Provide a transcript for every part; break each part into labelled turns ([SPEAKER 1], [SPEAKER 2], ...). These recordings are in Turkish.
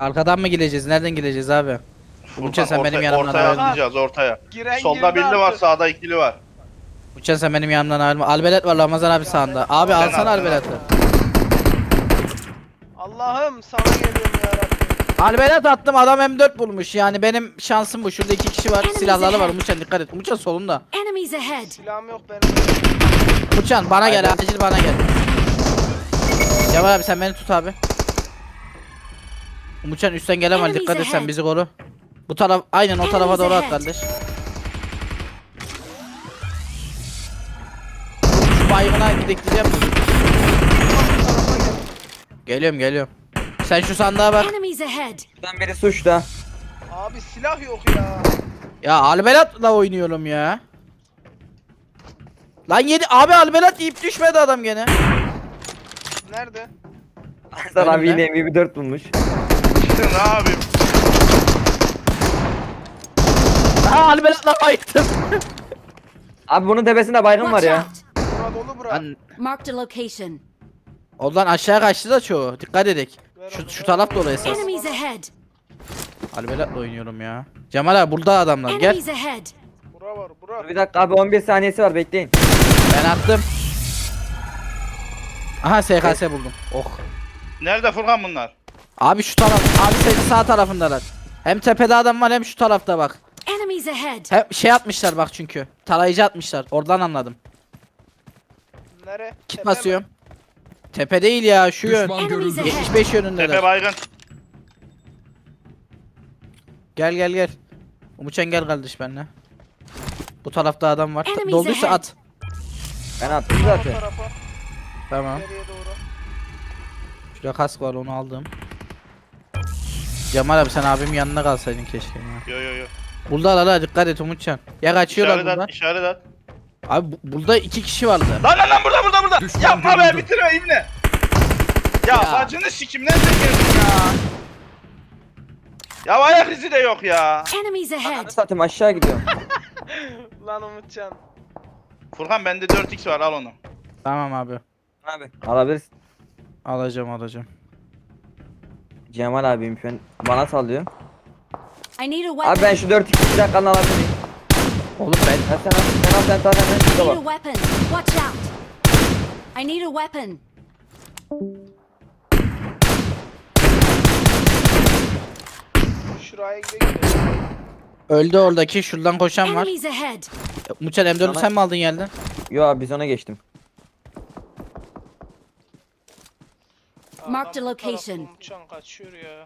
[SPEAKER 1] Arkadan mı geleceğiz? Nereden geleceğiz abi? Umutcan sen benim yanımdan
[SPEAKER 2] ortaya
[SPEAKER 1] ayrılma.
[SPEAKER 2] atlayacağız ortaya.
[SPEAKER 3] Giren
[SPEAKER 2] Solda
[SPEAKER 3] girdi
[SPEAKER 2] birli var,
[SPEAKER 3] artık.
[SPEAKER 2] sağda ikili var.
[SPEAKER 1] Umutcan sen benim yanımdan ayrılma. Albelet var Ramazan abi sağında.
[SPEAKER 3] ben-
[SPEAKER 1] Abi
[SPEAKER 3] Sen
[SPEAKER 1] alsana
[SPEAKER 2] al, sen
[SPEAKER 1] Albelet'i.
[SPEAKER 3] Allah'ım sana geliyorum yarabbim.
[SPEAKER 1] Albelet attım adam M4 bulmuş yani benim şansım bu. Şurada 2 kişi var. Silahları var Umutcan dikkat et. Umutcan solunda.
[SPEAKER 4] Enemies ahead.
[SPEAKER 3] Silahım yok benim.
[SPEAKER 1] Umutcan bana gel
[SPEAKER 2] Aynen.
[SPEAKER 1] acil bana gel. Cemal abi sen beni tut abi. Umutcan üstten gelemez
[SPEAKER 4] Enemies
[SPEAKER 1] dikkat et sen
[SPEAKER 4] ahead.
[SPEAKER 1] bizi koru. Bu taraf aynen o tarafa
[SPEAKER 4] Enemies
[SPEAKER 1] doğru at
[SPEAKER 4] ahead.
[SPEAKER 1] kardeş. Şu baygına bekleyeceğim. Geliyorum. Sen şu sandığa bak.
[SPEAKER 4] Enemies ahead.
[SPEAKER 5] Buradan biri suçta.
[SPEAKER 3] Abi silah yok ya.
[SPEAKER 1] Ya Albelat'la oynuyorum ya. Lan yedi abi Albelat deyip düşmedi adam gene.
[SPEAKER 3] Nerede?
[SPEAKER 5] Hasan abi
[SPEAKER 1] Önümde.
[SPEAKER 5] yine MP4 bulmuş.
[SPEAKER 2] İşte ne yapayım?
[SPEAKER 1] Ha Albelat'la bayıttım.
[SPEAKER 5] Abi bunun tepesinde baygın var
[SPEAKER 4] Watch
[SPEAKER 5] ya.
[SPEAKER 4] out.
[SPEAKER 3] Bura dolu bura.
[SPEAKER 1] Lan
[SPEAKER 4] Marked a location.
[SPEAKER 1] oradan aşağı kaçtı da çoğu. Dikkat edek.
[SPEAKER 3] Ver
[SPEAKER 1] Şu,
[SPEAKER 3] onu,
[SPEAKER 1] şu
[SPEAKER 3] ver
[SPEAKER 1] taraf
[SPEAKER 3] onu.
[SPEAKER 1] dolu esas.
[SPEAKER 4] Enemies ahead.
[SPEAKER 1] Albelat'la oynuyorum ya. Cemal abi burada adamlar gel.
[SPEAKER 4] Enemies ahead.
[SPEAKER 3] Bura var bura.
[SPEAKER 5] Bir dakika abi 11 saniyesi var bekleyin.
[SPEAKER 1] Ben attım. Aha SKS buldum. Oh.
[SPEAKER 2] Nerede Furkan bunlar?
[SPEAKER 1] Abi şu taraf. Abi senin sağ tarafındalar. Hem tepede adam var hem şu tarafta bak.
[SPEAKER 4] Enemies ahead.
[SPEAKER 1] Hem şey atmışlar bak çünkü. Tarayıcı atmışlar. Oradan anladım.
[SPEAKER 3] Nere?
[SPEAKER 1] Kit
[SPEAKER 3] Tepe mi?
[SPEAKER 1] basıyorum. Tepe değil ya şu yön.
[SPEAKER 6] Düşman
[SPEAKER 4] Enemies
[SPEAKER 6] görüldü.
[SPEAKER 4] ahead.
[SPEAKER 1] 75
[SPEAKER 2] Tepe
[SPEAKER 1] yönündeler.
[SPEAKER 2] baygın.
[SPEAKER 1] Gel. Umutcan gel kardeş benimle. Bu tarafta adam var.
[SPEAKER 4] Enemies
[SPEAKER 1] Dolduysa
[SPEAKER 4] ahead.
[SPEAKER 1] at.
[SPEAKER 5] Ben attım
[SPEAKER 3] O
[SPEAKER 5] zaten.
[SPEAKER 3] tarafa.
[SPEAKER 1] Tamam.
[SPEAKER 3] İleriye doğru.
[SPEAKER 1] Şurada kask var onu aldım. Cemal abi sen abimin yanına kalsaydın keşke ya.
[SPEAKER 2] Yo.
[SPEAKER 1] Buradalar dikkat et Umutcan. Ya kaçıyorlar
[SPEAKER 2] İşaret
[SPEAKER 1] buradan.
[SPEAKER 2] at, işaret at.
[SPEAKER 1] Abi burada 2 kişi vardı.
[SPEAKER 2] Lan burada.
[SPEAKER 6] Düşman
[SPEAKER 2] Yapma be
[SPEAKER 6] görüldü.
[SPEAKER 2] bitirme ibne. Ya,
[SPEAKER 1] Ya.
[SPEAKER 2] bacını sikim nereden geldin ya? Ya ayak izi de yok ya.
[SPEAKER 4] Enemies ahead.
[SPEAKER 5] Ananı satayım aşağı gidiyorum.
[SPEAKER 3] Lan Umutcan.
[SPEAKER 2] Furkan bende 4x var al onu.
[SPEAKER 1] Tamam abi.
[SPEAKER 5] Abi alabilirsin.
[SPEAKER 1] Alacağım.
[SPEAKER 5] Cemal abim şu an bana sallıyor.
[SPEAKER 4] I need a weapon.
[SPEAKER 5] Abi ben şu 4 2 dakikanı alabilir miyim?
[SPEAKER 1] Oğlum ben
[SPEAKER 5] Sen zaten
[SPEAKER 4] I
[SPEAKER 5] şurada
[SPEAKER 4] need a
[SPEAKER 5] bak.
[SPEAKER 4] weapon. Watch out. I need a weapon.
[SPEAKER 3] Şuraya gidelim.
[SPEAKER 1] öldü oradaki şuradan koşan var.
[SPEAKER 4] Enemies ahead.
[SPEAKER 1] Muçal M4'ü
[SPEAKER 5] Sana-
[SPEAKER 1] sen mi aldın yerden?
[SPEAKER 5] Yo abi biz ona geçtim.
[SPEAKER 4] Marked
[SPEAKER 3] Adam
[SPEAKER 4] a
[SPEAKER 3] bu tarafta,
[SPEAKER 4] location.
[SPEAKER 3] Umutcan kaçıyor ya.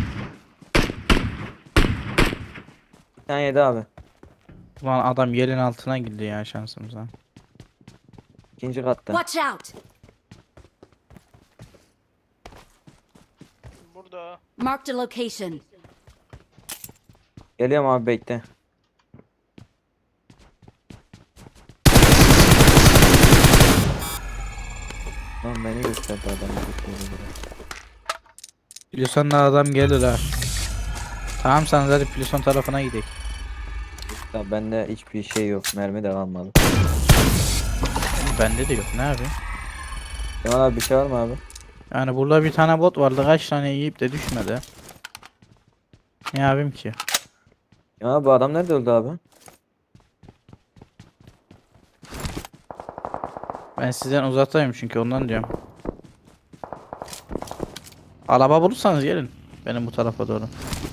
[SPEAKER 5] Bir tane yedi abi.
[SPEAKER 1] Ulan adam yerin altına girdi ya şansımıza.
[SPEAKER 5] İkinci katta.
[SPEAKER 4] Watch out.
[SPEAKER 3] Burada.
[SPEAKER 4] Marked a location.
[SPEAKER 5] Geliyorum abi bekle. Lan beni gösterdi adam.
[SPEAKER 1] Plüson'da adam gelir ha. Tamam sen hadi Plüson tarafına gidelim.
[SPEAKER 5] Ya bende hiçbir şey yok. Mermi de kalmadı.
[SPEAKER 1] Bende de yok ne abi?
[SPEAKER 5] Cemal abi bir şey var mı abi?
[SPEAKER 1] Yani burada bir tane bot vardı kaç tane yiyip de düşmedi. Ne yapayım ki?
[SPEAKER 5] Ya bu adam nerede öldü abi?
[SPEAKER 1] Ben sizden uzaktayım çünkü ondan diyorum. Araba bulursanız gelin. Benim bu tarafa doğru.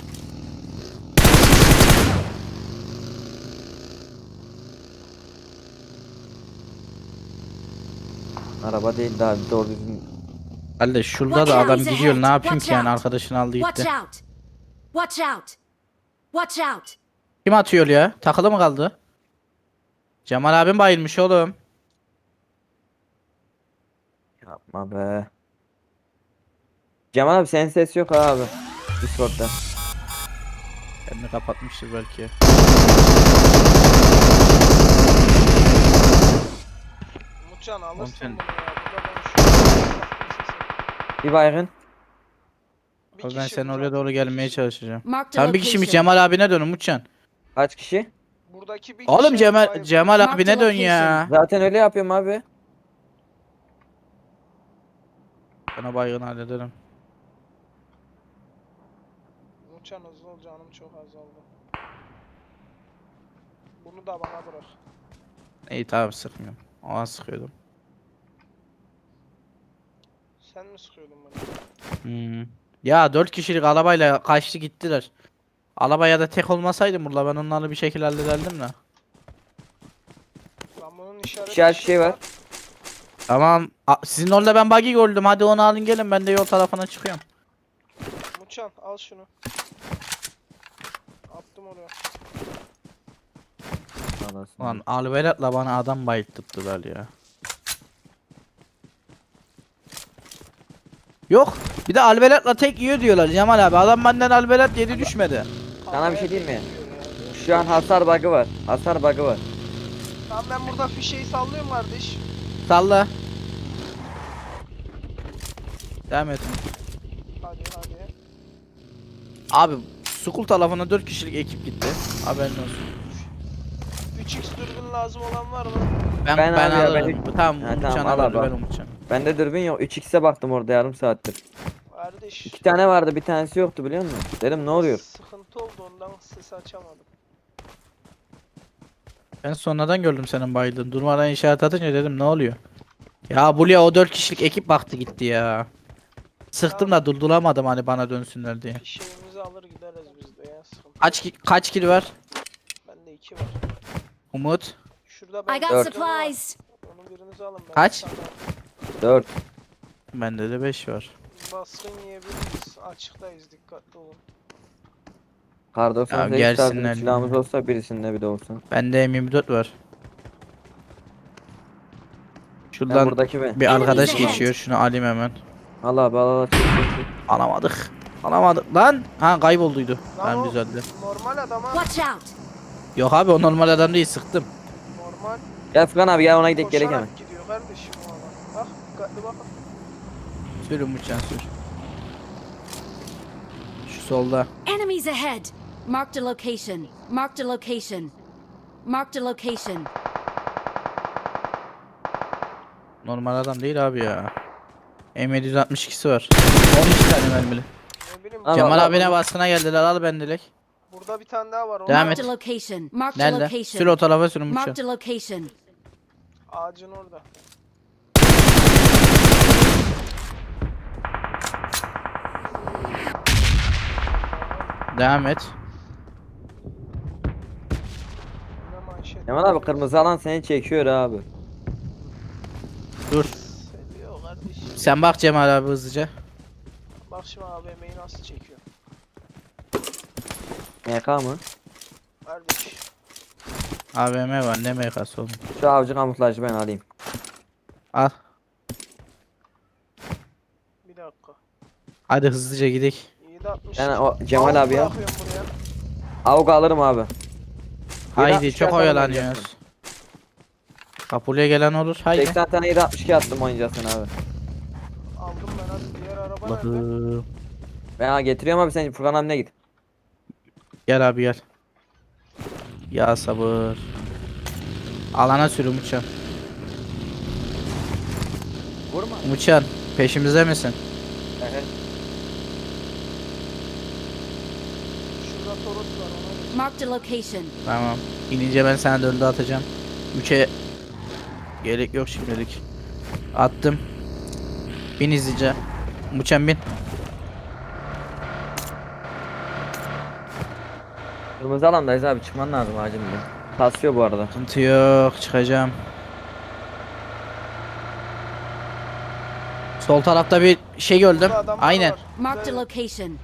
[SPEAKER 5] Araba değil daha doğru düzgün.
[SPEAKER 1] Kardeş şurada
[SPEAKER 4] Watch
[SPEAKER 1] da
[SPEAKER 4] out,
[SPEAKER 1] adam
[SPEAKER 4] he's
[SPEAKER 1] gidiyor
[SPEAKER 4] ahead.
[SPEAKER 1] ne yapayım
[SPEAKER 4] Watch
[SPEAKER 1] ki yani
[SPEAKER 4] out.
[SPEAKER 1] arkadaşını aldı
[SPEAKER 4] Watch
[SPEAKER 1] gitti.
[SPEAKER 4] out. Watch out. Watch out.
[SPEAKER 1] Kim atıyor ya? Takılı mı kaldı? Cemal abim bayılmış oğlum.
[SPEAKER 5] Yapma be. Cemal abi senin ses yok ha abi. Discord'da.
[SPEAKER 1] Kendini kapatmıştır belki.
[SPEAKER 3] Umutcan
[SPEAKER 1] Oğlum
[SPEAKER 3] alırsın
[SPEAKER 1] sen-
[SPEAKER 3] bunu ya. Burada ben şu
[SPEAKER 5] Bir baygın.
[SPEAKER 3] Bir
[SPEAKER 1] Ben
[SPEAKER 3] kişi
[SPEAKER 1] senin
[SPEAKER 3] burada.
[SPEAKER 1] oraya doğru gelmeye çalışacağım.
[SPEAKER 4] Marked a
[SPEAKER 1] Tam bir kişiymiş
[SPEAKER 4] location.
[SPEAKER 1] Cemal abine dön Umutcan.
[SPEAKER 5] Kaç kişi?
[SPEAKER 3] Buradaki bir
[SPEAKER 1] Oğlum
[SPEAKER 3] kişi
[SPEAKER 1] Cemal
[SPEAKER 3] bayıldı.
[SPEAKER 1] Cemal
[SPEAKER 4] Mark
[SPEAKER 1] abine
[SPEAKER 4] the
[SPEAKER 1] dön ya.
[SPEAKER 5] Zaten öyle yapıyorum abi.
[SPEAKER 1] Bana baygın hallederim.
[SPEAKER 3] Umutcan hızlı ol, canım çok azaldı. Bunu da bana bırak.
[SPEAKER 1] İyi tamam sıkmıyorum. O an sıkıyordum.
[SPEAKER 3] Sen mi sıkıyordun bunu?
[SPEAKER 1] Hmm. Ya 4 kişilik arabayla kaçtı gittiler. Arabaya da tek olmasaydım burada ben onları bir şekilde hallederdim de.
[SPEAKER 3] Lan bunun işaret
[SPEAKER 5] İşaret şey var.
[SPEAKER 1] Tamam. Sizin orada ben buggy gördüm. Hadi onu alın gelin. Ben de yol tarafına çıkıyorum.
[SPEAKER 3] Umutcan al şunu. Attım oraya.
[SPEAKER 5] Anasını.
[SPEAKER 1] Lan Alberat'la bana adam bayılttılar ya. Yok. Bir de Alberat'la tek yiyor diyorlar Cemal abi. Adam benden Alberat yedi düşmedi.
[SPEAKER 5] Sana bir şey diyeyim mi? Şu an hasar bug'ı var. Hasar bug'ı var.
[SPEAKER 3] Tamam ben burada fişeyi sallıyorum kardeş.
[SPEAKER 1] Salla. Devam et.
[SPEAKER 3] Hadi hadi.
[SPEAKER 1] Abi Sukul tarafına 4 kişilik ekip gitti. Haberin olsun.
[SPEAKER 3] 3x dürbün lazım olan var mı?
[SPEAKER 1] Ben
[SPEAKER 5] Ben abi ya,
[SPEAKER 1] alırım. Tamam
[SPEAKER 5] Ha,
[SPEAKER 1] Umutcan
[SPEAKER 5] tamam, al
[SPEAKER 1] alır,
[SPEAKER 5] abi,
[SPEAKER 1] ben
[SPEAKER 5] al.
[SPEAKER 1] Umutcan.
[SPEAKER 5] Bende dürbün yok. 3x'e baktım orada yarım saattir.
[SPEAKER 3] Kardeş.
[SPEAKER 5] 2 tane vardı, bir tanesi yoktu biliyor musun? Dedim ne oluyor?
[SPEAKER 3] Sıkıntı oldu ondan sesi açamadım.
[SPEAKER 1] Ben sonradan gördüm senin bayıldığını. Durmadan işaret atınca dedim ne oluyor? Ya buraya o 4 kişilik ekip baktı gitti ya. Sıktım da durduramadım hani bana dönsünler diye.
[SPEAKER 3] Fişeğimizi alır gideriz biz de ya sıkıntı.
[SPEAKER 1] Kaç kill var?
[SPEAKER 3] Bende 2 var.
[SPEAKER 1] Umut.
[SPEAKER 3] Şurada
[SPEAKER 4] I
[SPEAKER 3] ben
[SPEAKER 4] got
[SPEAKER 5] Dört.
[SPEAKER 4] supplies.
[SPEAKER 3] Onun birinizi alın ben.
[SPEAKER 1] Kaç?
[SPEAKER 3] bir tane
[SPEAKER 5] 4.
[SPEAKER 1] Bende de 5 var.
[SPEAKER 3] baskın yiyebiliriz. Açıktayız dikkatli olun.
[SPEAKER 5] Kar
[SPEAKER 1] Ya
[SPEAKER 5] 98
[SPEAKER 1] gelsinler
[SPEAKER 5] tarzı silahımız
[SPEAKER 1] ya.
[SPEAKER 5] olsa birisinde bir de olsun.
[SPEAKER 1] Bende M24 var.
[SPEAKER 5] Ben
[SPEAKER 1] Şuradan
[SPEAKER 5] buradaki ben.
[SPEAKER 1] bir arkadaş
[SPEAKER 4] Enemies ahead.
[SPEAKER 1] geçiyor. Şunu alayım hemen.
[SPEAKER 5] Al abi al. Çek, çek, çek.
[SPEAKER 1] Alamadık. Alamadık lan. Ha kaybolduydu.
[SPEAKER 3] Lan
[SPEAKER 1] Tamam
[SPEAKER 3] o
[SPEAKER 1] düzeldi.
[SPEAKER 3] normal adam ha.
[SPEAKER 4] Watch out.
[SPEAKER 1] Yok abi o normal adam değil sıktım.
[SPEAKER 3] Normal.
[SPEAKER 5] Gel Furkan abi gel ona gidelim gerek hemen.
[SPEAKER 3] Koşarak gidiyor kardeşim o adam. Bak dikkatli bak.
[SPEAKER 1] Sür Umutcan sür. Şu solda.
[SPEAKER 4] Enemies ahead. Marked a location. Marked a location. Marked a location.
[SPEAKER 1] Normal adam değil abi ya. M762'si var. 12 tane mermili.
[SPEAKER 3] Ne bileyim.
[SPEAKER 5] Al,
[SPEAKER 1] Cemal
[SPEAKER 5] al,
[SPEAKER 1] abine
[SPEAKER 5] al.
[SPEAKER 1] baskına geldiler al bendelik.
[SPEAKER 3] Burada bir tane daha var. Onu
[SPEAKER 1] Devam
[SPEAKER 3] al.
[SPEAKER 1] et.
[SPEAKER 4] Marked a location. Marked a
[SPEAKER 1] Nerede? Sür
[SPEAKER 4] location.
[SPEAKER 1] o tarafa sür Umutcan.
[SPEAKER 4] Marked a location.
[SPEAKER 3] Ağacın orada.
[SPEAKER 1] Devam et.
[SPEAKER 3] Ne manşet.
[SPEAKER 5] Kemal abi kırmızı alan seni çekiyor abi.
[SPEAKER 1] Dur.
[SPEAKER 3] Seviyor kardeşim.
[SPEAKER 1] Sen bak Cemal abi hızlıca.
[SPEAKER 3] Bak şimdi AVM'yi nasıl çekiyor.
[SPEAKER 5] MK mı?
[SPEAKER 3] Kardeş.
[SPEAKER 1] AVM var ne MK'sı oğlum.
[SPEAKER 5] Şu avcı kamuflajı ben alayım.
[SPEAKER 1] Al.
[SPEAKER 3] Bir dakika.
[SPEAKER 1] Hadi hızlıca gidelim.
[SPEAKER 3] 760.
[SPEAKER 5] Yani o Cemal abi ya.
[SPEAKER 3] Bırakıyorum buraya.
[SPEAKER 5] Avuk alırım abi.
[SPEAKER 1] Haydi
[SPEAKER 5] 762
[SPEAKER 1] çok
[SPEAKER 5] atalım
[SPEAKER 1] oyalanıyoruz. Kapıya gelen olur. Haydi.
[SPEAKER 5] 80 tane 762 attım oyuncasına abi.
[SPEAKER 3] Aldım ben hadi. Diğer araba nerede?
[SPEAKER 1] Allah'ım.
[SPEAKER 5] Ben getiriyorum abi sen Furkan abine git.
[SPEAKER 1] Gel abi gel. Ya sabır. Alana sür Umutcan.
[SPEAKER 5] Vurma.
[SPEAKER 1] Umutcan peşimizde misin?
[SPEAKER 3] Şurada Toros var ona.
[SPEAKER 4] Marked a location.
[SPEAKER 1] Tamam. İnince ben sana döndü atacağım. 3'e gerek yok şimdilik. Attım. Bin izleyici. Umutcan bin.
[SPEAKER 5] Kırmızı alandayız abi çıkman lazım acil bir. Kasıyor bu arada.
[SPEAKER 1] Sıkıntı yok. Çıkacağım. Sol tarafta bir şey gördüm.
[SPEAKER 3] Burada adamlar
[SPEAKER 1] Aynen.
[SPEAKER 3] var.
[SPEAKER 4] Marked a
[SPEAKER 3] Evet.
[SPEAKER 4] location.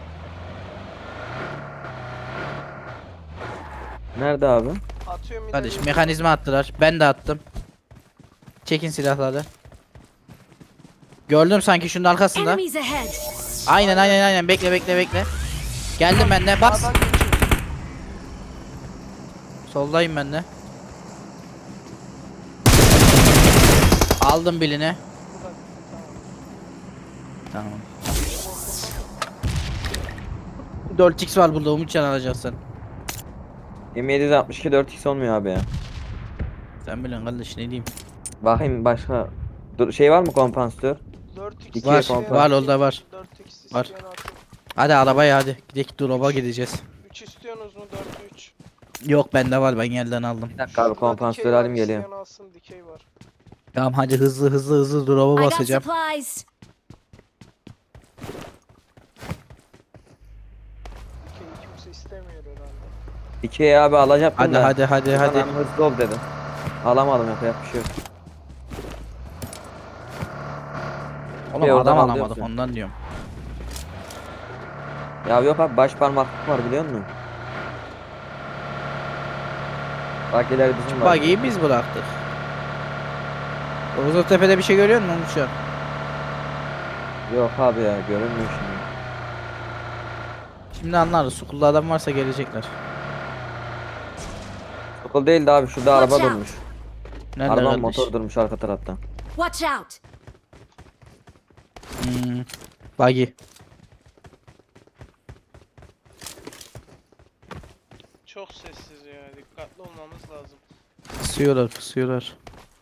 [SPEAKER 5] Nerede abi?
[SPEAKER 3] Atıyorum
[SPEAKER 1] Kardeş
[SPEAKER 3] ileri.
[SPEAKER 1] mekanizma attılar. Ben de attım. Çekin silahları. Gördüm sanki şunun arkasında.
[SPEAKER 4] Enemies ahead.
[SPEAKER 1] Aynen. Bekle. Geldim ben de. Bas.
[SPEAKER 3] Sağdan geçiyor.
[SPEAKER 1] Soldayım ben de. Aldım birini.
[SPEAKER 3] Burada.
[SPEAKER 1] Tamam. 4x var burada Umutcan alacaksın.
[SPEAKER 5] M762 4x olmuyor abi ya.
[SPEAKER 1] Sen bilin kardeş ne diyeyim.
[SPEAKER 5] Bakayım başka. Dur, şey var mı kompansatör?
[SPEAKER 3] 4x
[SPEAKER 5] İki
[SPEAKER 1] Var,
[SPEAKER 3] isteyen
[SPEAKER 5] kompa.
[SPEAKER 1] var,
[SPEAKER 3] atayım.
[SPEAKER 1] orada var.
[SPEAKER 3] 4x
[SPEAKER 1] Var.
[SPEAKER 3] isteyen atayım.
[SPEAKER 1] Hadi arabaya hadi. Gidelim drop'a gideceğiz.
[SPEAKER 3] 3 istiyorsunuz mu? 4'lü 3.
[SPEAKER 1] Yok bende var, ben yerden aldım.
[SPEAKER 5] Bir dakika abi kompansatör alayım geliyor.
[SPEAKER 3] İsteyen alsın, dikey var.
[SPEAKER 1] Tamam hadi hızlı drop'a
[SPEAKER 4] I got
[SPEAKER 1] basacağım.
[SPEAKER 4] supplies.
[SPEAKER 3] Dikey kimse istemiyor herhalde.
[SPEAKER 5] İkiye abi alacaktım
[SPEAKER 1] Hadi
[SPEAKER 5] da.
[SPEAKER 1] hadi
[SPEAKER 5] Adam
[SPEAKER 1] hadi.
[SPEAKER 5] hızlı ol dedim. Alamadım yapacak bir şey yok.
[SPEAKER 1] Oğlum
[SPEAKER 5] oradan
[SPEAKER 1] adam
[SPEAKER 5] al
[SPEAKER 1] alamadık
[SPEAKER 5] diyorsun.
[SPEAKER 1] ondan diyorum.
[SPEAKER 5] Ya yok abi baş parmaklık var biliyor musun? Bak ileri bizim var.
[SPEAKER 1] Buggy'yi biz bıraktık. Tepe'de bir şey görüyor musun şu an?
[SPEAKER 5] Yok abi ya görünmüyor şimdi.
[SPEAKER 1] Şimdi anlarız. Sukulda adam varsa gelecekler.
[SPEAKER 5] Okul değildi abi şurada araba
[SPEAKER 4] Watch out.
[SPEAKER 5] durmuş.
[SPEAKER 1] Nerede
[SPEAKER 5] Araba
[SPEAKER 1] kardeş?
[SPEAKER 5] motor durmuş arka tarafta.
[SPEAKER 4] Watch out.
[SPEAKER 1] Buggy.
[SPEAKER 3] Çok sessiz ya. Dikkatli olmamız lazım.
[SPEAKER 1] Pusuyorlar.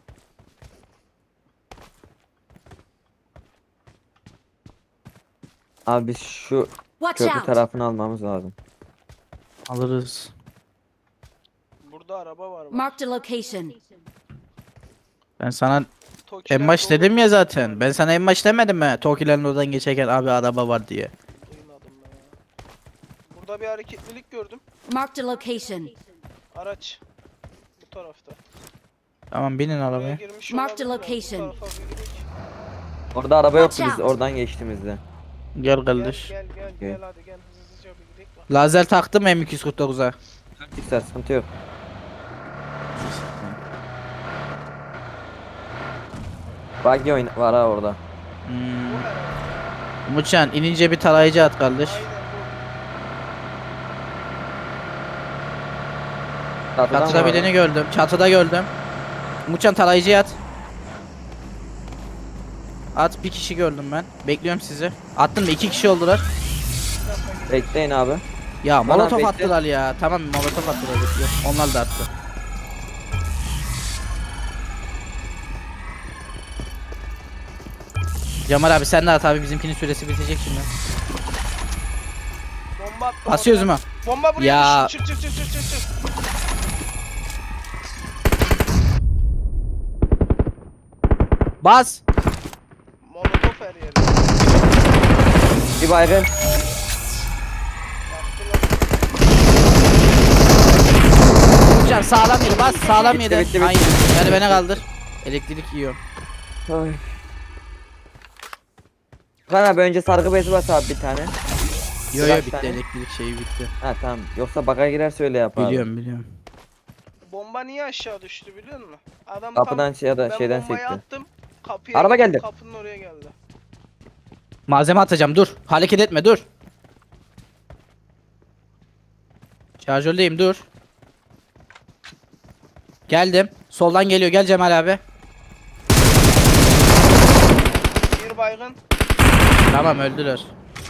[SPEAKER 5] Abi biz şu
[SPEAKER 4] Watch
[SPEAKER 5] köprü
[SPEAKER 4] out.
[SPEAKER 5] tarafını almamız lazım.
[SPEAKER 1] Alırız.
[SPEAKER 3] Burada araba var bak.
[SPEAKER 4] Marked a location.
[SPEAKER 1] Ben sana
[SPEAKER 3] Tokiler
[SPEAKER 1] en baş
[SPEAKER 3] dolu.
[SPEAKER 1] dedim ya zaten. Ben sana en baş demedim mi? Tokilerin oradan geçerken abi araba var diye.
[SPEAKER 3] Duymadım ben ya. Burada bir hareketlilik gördüm.
[SPEAKER 4] Marked a location.
[SPEAKER 3] Araç. Bu tarafta.
[SPEAKER 1] Tamam binin
[SPEAKER 3] Buraya
[SPEAKER 1] arabaya.
[SPEAKER 3] girmiş
[SPEAKER 4] Marked
[SPEAKER 3] olabilirler. Bu
[SPEAKER 4] location.
[SPEAKER 3] tarafa bir gidelim.
[SPEAKER 5] Orada araba yoktu
[SPEAKER 4] Watch
[SPEAKER 5] biz
[SPEAKER 4] out.
[SPEAKER 5] oradan geçtiğimizde.
[SPEAKER 1] Gel
[SPEAKER 3] Gel
[SPEAKER 1] kardeş.
[SPEAKER 3] gel gel
[SPEAKER 5] Okey.
[SPEAKER 3] gel hadi gel hızlıca bir gidelim bak.
[SPEAKER 1] Lazer taktım M249'a.
[SPEAKER 5] Yükser sıkıntı yok. Buggy oyun var ha orada.
[SPEAKER 3] Bu herhalde.
[SPEAKER 1] Muçan inince bir tarayıcı at kardeş.
[SPEAKER 3] Aynen bu.
[SPEAKER 5] Çatıdan
[SPEAKER 1] Çatıda
[SPEAKER 5] mı var?
[SPEAKER 1] birini gördüm. Çatıda gördüm. Muçan tarayıcıya at. At, bir kişi gördüm ben. Bekliyorum sizi. Attım da 2 kişi oldular.
[SPEAKER 5] Bekleyin abi.
[SPEAKER 1] Ya
[SPEAKER 5] Bana
[SPEAKER 1] molotof
[SPEAKER 5] bekle.
[SPEAKER 1] attılar ya. Tamam molotof attılar. Bekliyorum. Onlar da attı. Cemal abi sen de at abi, bizimkinin süresi bitecek şimdi.
[SPEAKER 3] Bomba attı.
[SPEAKER 1] Basıyoruz
[SPEAKER 3] oraya.
[SPEAKER 1] mu?
[SPEAKER 3] Bomba buraya
[SPEAKER 1] Ya.
[SPEAKER 3] düştü. Çık.
[SPEAKER 1] Bas.
[SPEAKER 3] Molotof her yerde.
[SPEAKER 5] Bir baygın.
[SPEAKER 3] Yaktılar.
[SPEAKER 1] Muçan sağlam yedi, bas sağlam
[SPEAKER 5] Bitti,
[SPEAKER 1] yedi.
[SPEAKER 5] bitti.
[SPEAKER 1] Aynen. Yani beni kaldır. Elektrik yiyor.
[SPEAKER 5] Ay. Kan abi önce sargı bezi bas abi bir tane.
[SPEAKER 1] Yo
[SPEAKER 5] Kaç
[SPEAKER 1] bitti,
[SPEAKER 5] tane?
[SPEAKER 1] elektrik şeyi bitti.
[SPEAKER 5] Ha tamam. Yoksa baka girerse öyle yap abi.
[SPEAKER 1] Biliyorum.
[SPEAKER 3] Bomba niye aşağı düştü biliyor musun? Adam
[SPEAKER 5] Kapıdan ya da
[SPEAKER 3] ben
[SPEAKER 5] şeyden
[SPEAKER 3] bombayı
[SPEAKER 5] sekti.
[SPEAKER 3] attım. Kapıya
[SPEAKER 5] Araba
[SPEAKER 3] gittim,
[SPEAKER 5] geldi.
[SPEAKER 3] Kapının oraya geldi.
[SPEAKER 1] Malzeme atacağım, dur. Hareket etme, dur. Şarjördeyim, dur. Geldim. Soldan geliyor, gel Cemal abi.
[SPEAKER 3] Bir baygın.
[SPEAKER 1] Tamam öldüler.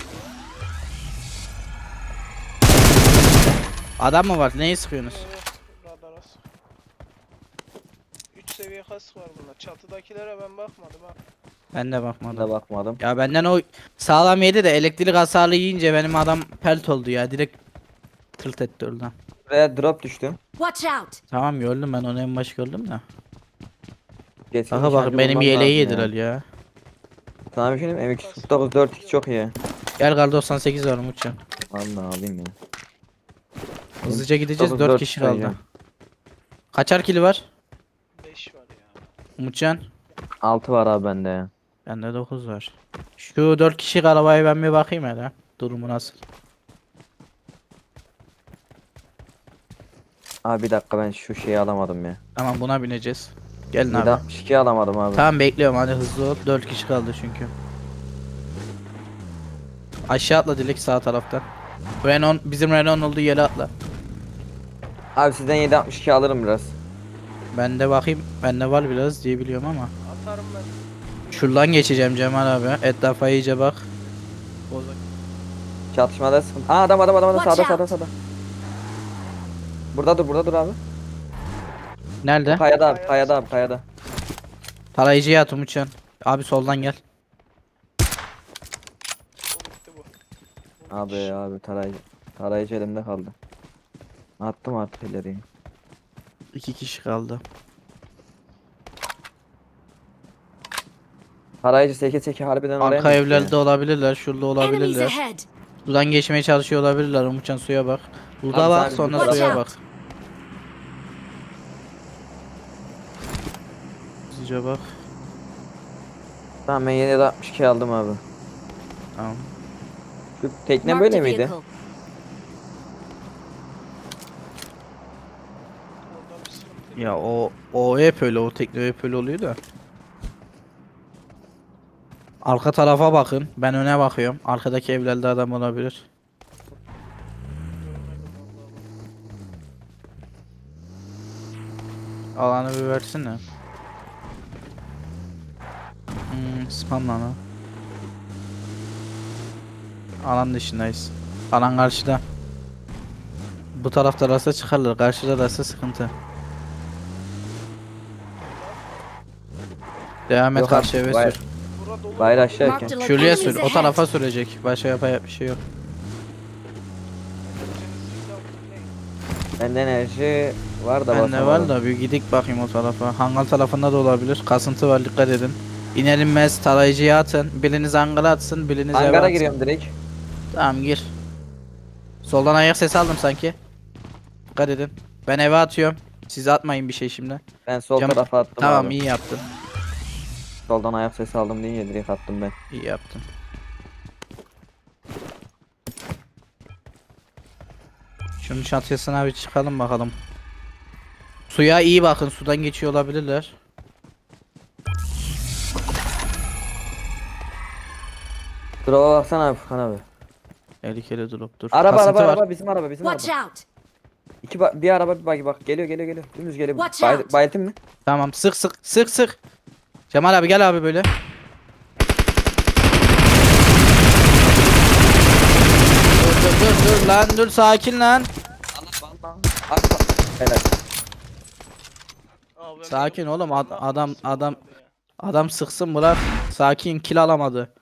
[SPEAKER 1] Adam mı var? Neyi sıkıyorsunuz?
[SPEAKER 3] Radara sık. 3 seviye kask var bunda. Çatıdakilere ben bakmadım ha.
[SPEAKER 1] Ben de
[SPEAKER 5] Ben
[SPEAKER 1] bakmadım.
[SPEAKER 5] de bakmadım.
[SPEAKER 1] Ya benden o sağlam yedi de elektrik hasarlı yiyince benim adam pelt oldu ya. Direkt tırt etti oradan.
[SPEAKER 5] Buraya drop düştü.
[SPEAKER 4] Watch out.
[SPEAKER 1] Tamam gördüm, ben onu en baş gördüm de.
[SPEAKER 5] Geçkin
[SPEAKER 1] Aha bak
[SPEAKER 5] nişancı
[SPEAKER 1] benim
[SPEAKER 5] bulmam
[SPEAKER 1] yeleği
[SPEAKER 5] lazım
[SPEAKER 1] yediler ya.
[SPEAKER 5] Sana bir şey diyeyim mi? M249 4x çok iyi.
[SPEAKER 1] Gel kar 98 var Umutcan.
[SPEAKER 5] Vallahi alayım ya.
[SPEAKER 1] Hızlıca gideceğiz, 4
[SPEAKER 5] 4
[SPEAKER 1] kişi kaldı.
[SPEAKER 5] sayacağım.
[SPEAKER 1] Kaçar kili var?
[SPEAKER 3] 5 var ya.
[SPEAKER 1] Umutcan.
[SPEAKER 5] 6 var abi bende ya.
[SPEAKER 1] Bende 9 var. Şu 4 kişilik arabaya ben bir bakayım hele. Durumu nasıl?
[SPEAKER 5] Abi bir dakika ben şu şeyi alamadım ya.
[SPEAKER 1] Tamam buna bineceğiz. Gelin abi.
[SPEAKER 5] 762 alamadım abi.
[SPEAKER 1] Tamam bekliyorum, hadi hızlı ol. 4 kişi kaldı çünkü. Aşağı atla Dilek, sağ taraftan. Renault, bizim Renault olduğu yere atla.
[SPEAKER 5] Abi sizden 762 alırım biraz.
[SPEAKER 1] Ben de bakayım. Bende var biraz diye biliyorum ama.
[SPEAKER 3] Atarım ben.
[SPEAKER 1] Şuradan geçeceğim Cemal abi. Etrafa iyice bak.
[SPEAKER 5] Çatışmada sıkıntı. Aa adam
[SPEAKER 4] Watch
[SPEAKER 5] sağda
[SPEAKER 4] out.
[SPEAKER 5] sağda. Burada dur abi.
[SPEAKER 1] Nerede?
[SPEAKER 5] Kayada abi kayada.
[SPEAKER 1] Tarayıcıya at Umutcan. Abi soldan gel.
[SPEAKER 3] Bu bitti bu.
[SPEAKER 5] Abi tarayıcı elimde kaldı. Attım artık ileriye.
[SPEAKER 1] 2 kişi kaldı.
[SPEAKER 5] Tarayıcı seke harbiden oraya
[SPEAKER 1] Arka
[SPEAKER 5] mı gitti
[SPEAKER 1] evlerde
[SPEAKER 5] ya?
[SPEAKER 1] olabilirler. Şurada
[SPEAKER 4] Enemies
[SPEAKER 1] olabilirler.
[SPEAKER 4] ahead!
[SPEAKER 1] Sudan geçmeye çalışıyor olabilirler. Umutcan suya bak. Burada
[SPEAKER 5] Abi
[SPEAKER 1] bak
[SPEAKER 5] sen
[SPEAKER 1] sonra
[SPEAKER 5] yukarı
[SPEAKER 1] suya
[SPEAKER 4] bak.
[SPEAKER 1] bak. Hızlıca bak.
[SPEAKER 5] Tamam ben 762 aldım abi.
[SPEAKER 1] Tamam.
[SPEAKER 5] Şu tekne
[SPEAKER 4] Marked
[SPEAKER 5] böyle
[SPEAKER 4] a
[SPEAKER 5] miydi?
[SPEAKER 4] vehicle.
[SPEAKER 3] Orada bir sıkıntı
[SPEAKER 1] Ya
[SPEAKER 3] yok.
[SPEAKER 1] o hep öyle. O tekne hep öyle oluyor da. Arka tarafa bakın. Ben öne bakıyorum. Arkadaki evlerde adam olabilir.
[SPEAKER 3] Görmedim vallahi.
[SPEAKER 1] Alanı bir versene. Spam lan o. Alan dışındayız. Alan karşıda. Bu tarafta rasta çıkarlar. Karşıda rasta sıkıntı. Devam et
[SPEAKER 5] Yok
[SPEAKER 1] karşı
[SPEAKER 5] abi,
[SPEAKER 1] eve
[SPEAKER 5] bay-
[SPEAKER 1] sür.
[SPEAKER 3] Bura dolu.
[SPEAKER 5] Bayrağı
[SPEAKER 4] Marked a
[SPEAKER 5] aşağıyken.
[SPEAKER 1] Şuraya
[SPEAKER 4] location.
[SPEAKER 1] sür. O tarafa sürecek. Başka yapacak bir şey yok.
[SPEAKER 5] Bende enerji var da
[SPEAKER 1] Bende var
[SPEAKER 5] basamadım.
[SPEAKER 1] da bir gidik bakayım o tarafa. Hangal tarafında da olabilir. Kasıntı var dikkat edin. İner inmez tarayıcıya atın. Biriniz hangara atsın, biriniz eve
[SPEAKER 5] Hangara
[SPEAKER 1] atsın.
[SPEAKER 5] giriyorum direkt.
[SPEAKER 1] Tamam gir. Soldan ayak sesi aldım sanki. Dikkat edin. Ben eve atıyorum. Siz atmayın bir şey şimdi.
[SPEAKER 5] Ben sol
[SPEAKER 1] Cam-
[SPEAKER 5] tarafa attım
[SPEAKER 1] Tamam
[SPEAKER 5] abi.
[SPEAKER 1] iyi yaptın.
[SPEAKER 5] Soldan ayak sesi aldım deyince direkt attım ben.
[SPEAKER 1] İyi yaptın. Şunun çatısına bir çıkalım bakalım. Suya iyi bakın. Sudan geçiyor olabilirler.
[SPEAKER 5] Drop'a baksana abi Furkan abi.
[SPEAKER 1] Tehlikeli drop dur.
[SPEAKER 5] Araba
[SPEAKER 1] Kasıntı var.
[SPEAKER 5] bizim araba bizim
[SPEAKER 4] Watch
[SPEAKER 5] araba.
[SPEAKER 4] out!
[SPEAKER 5] Bir araba bir bagi bak geliyor. Dümdüz geliyor.
[SPEAKER 4] Watch out.
[SPEAKER 5] Bayılttın mı?
[SPEAKER 1] Tamam sık. Cemal abi gel abi böyle. Dur lan dur sakin lan.
[SPEAKER 5] Arka. Helal.
[SPEAKER 3] Abi ben
[SPEAKER 1] Sakin
[SPEAKER 3] bunu-
[SPEAKER 1] oğlum
[SPEAKER 3] ne yapıyorsun
[SPEAKER 1] adam
[SPEAKER 3] abi ya?
[SPEAKER 1] adam sıksın bırak. Sakin kill alamadı.